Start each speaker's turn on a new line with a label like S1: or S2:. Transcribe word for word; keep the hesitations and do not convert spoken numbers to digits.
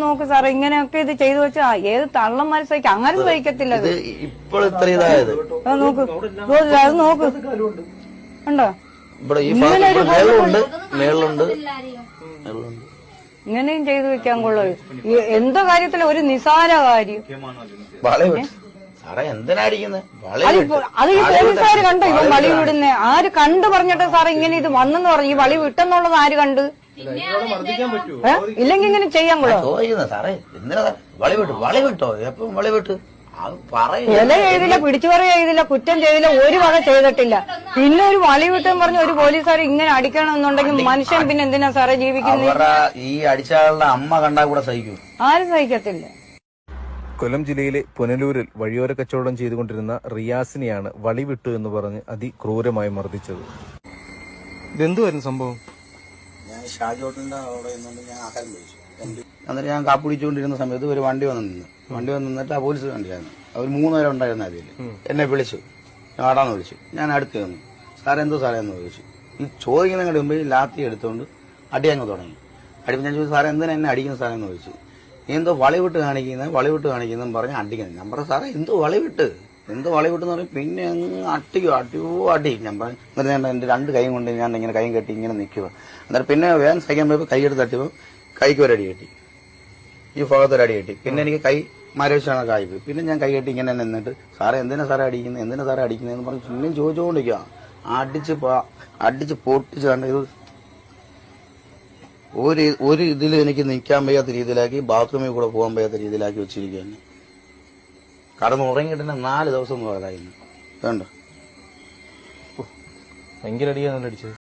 S1: നോക്ക് സാറേ, ഇങ്ങനെയൊക്കെ ഇത് ചെയ്തു വെച്ചാ ഏത് തള്ളന്മാര് സഹിക്കും? അങ്ങനെ സഹിക്കത്തില്ല. അത്
S2: ഇപ്പോൾ ഇത്ര ഇതായത്
S1: നോക്ക്, അത് നോക്ക്, ഉണ്ടോ
S2: ഇങ്ങനെ ഒരു മേളുണ്ട് മേളുണ്ട്
S1: ഇങ്ങനെയും ചെയ്തു വെക്കാൻ കൊള്ളു. എന്തോ കാര്യത്തില് ഒരു നിസാര കാര്യം
S2: സാറേ എന്തിനായിരിക്കുന്നത്?
S1: അത് ഈ പോലീസുകാര് കണ്ടോ ഇവൻ വളി വിടുന്നേ? ആര് കണ്ടു പറഞ്ഞിട്ട് സാറേ ഇങ്ങനെ ഇത് വന്നെന്ന് പറഞ്ഞു? ഈ വളി വിട്ടെന്നുള്ളത് ആര് കണ്ട്? ഇല്ലെങ്കിൽ ഇങ്ങനെ ചെയ്യാൻ കൊള്ളോ?
S2: ചോദിക്കുന്നത് സാറേ എന്തിനാ വളി വിട്ടു വളി വിട്ടോ എപ്പം വളി വിട്ട്
S1: ഇല ചെയ്തില്ല, പിടിച്ചു പറ ചെയ്തില്ല, കുറ്റം ചെയ്തില്ല, ഒരു വക ചെയ്തിട്ടില്ല. പിന്നെ ഒരു വളി വിട്ടെന്ന് പറഞ്ഞ ഒരു പോലീസുകാർ ഇങ്ങനെ അടിക്കണമെന്നുണ്ടെങ്കിൽ മനുഷ്യൻ പിന്നെ എന്തിനാ സാറേ ജീവിക്കുന്നത്?
S2: ഈ അടിച്ചാളുടെ അമ്മ കണ്ടാ കൂടെ സഹിക്കും?
S1: ആരും സഹിക്കത്തില്ല.
S3: കൊല്ലം ജില്ലയിലെ പുനലൂരിൽ വഴിയോര കച്ചവടം ചെയ്തുകൊണ്ടിരുന്ന റിയാസിനെയാണ് വളി വിട്ടു എന്ന് പറഞ്ഞ് അതിക്രൂരമായി മർദ്ദിച്ചത്. ഇതെന്തുവായിരുന്നു സംഭവം?
S2: ഞാൻ ഷാജോട്ടിന്റെ അവിടെ ഞാൻ ആഹാരം കഴിച്ചു. എന്നിട്ട് ഞാൻ കാപ്പി കുടിച്ചുകൊണ്ടിരുന്ന സമയത്ത് ഒരു വണ്ടി വന്ന് നിന്ന് വണ്ടി വന്ന് നിന്നിട്ട് ആ പോലീസ് വണ്ടിയായിരുന്നു. അവർ മൂന്നുപേരും ഉണ്ടായിരുന്ന അതിൽ എന്നെ വിളിച്ചു, ആടാന്ന് വിളിച്ചു. ഞാൻ അടുത്ത് വന്നു. സാറേ എന്തോ സാറേ എന്ന് ചോദിച്ചു. ഈ ചോദിക്കുന്നതിന്റെ മുമ്പ് ലാത്തി എടുത്തുകൊണ്ട് അടി അങ്ങ് തുടങ്ങി. അടി ഞാൻ ചോദിച്ചു, സാറേ എന്തിനാ എന്നെ അടിക്കുന്ന സാറേ എന്ന് ചോദിച്ചു. നീ എന്തോ വളവിട്ട് കാണിക്കുന്നത് വളവിട്ട് കാണിക്കുന്നതെന്ന് പറഞ്ഞ് അടിക്കുന്നത്. ഞാൻ പറഞ്ഞു സാറേ എന്തോ വളവിട്ട് എന്തോ വളവിട്ടെന്ന് പറയും. പിന്നെ അങ്ങ് അട്ടിയോ അടിയോ അടി. ഞാൻ പറഞ്ഞു എന്നിട്ട് ഞാൻ എന്റെ രണ്ട് കൈയും കൊണ്ട് ഞാൻ ഇങ്ങനെ കൈ കെട്ടി ഇങ്ങനെ നിൽക്കുക. എന്നിട്ട് പിന്നെ വേഗം സഹിക്കാൻ പോയപ്പോൾ കൈ എടുത്ത് തട്ടിയപ്പോൾ കൈക്ക് ഒരു അടി കെട്ടി, ഈ ഭാഗത്തൊരു അടി കെട്ടി. പിന്നെ എനിക്ക് കൈ മരവിച്ചാണ് കായ്പോയി. പിന്നെ ഞാൻ കൈ കെട്ടി ഇങ്ങനെ നിന്നിട്ട് സാറേ എന്തിനാ സാറേ അടിക്കുന്നത് എന്തിനാ സാറേ അടിക്കുന്നതെന്ന് പറഞ്ഞ് പിന്നെയും ചോദിച്ചുകൊണ്ടിരിക്കുക. അടിച്ച് അടിച്ച് പൊട്ടിച്ച് കണ്ട ഇത് ഒരു ഒരു ഇതിൽ എനിക്ക് നിൽക്കാൻ വയ്യാത്ത രീതിയിലാക്കി, ബാത്റൂമിൽ കൂടെ പോകാൻ വയ്യാത്ത രീതിയിലാക്കി വെച്ചിരിക്കുകയാണ്. കടന്ന് ഉറങ്ങിയിട്ട് തന്നെ നാല് ദിവസം പോയതായിരുന്നു. വേണ്ട
S3: ഭയങ്കര അടിയാണല്ലോ അടിച്ചത്.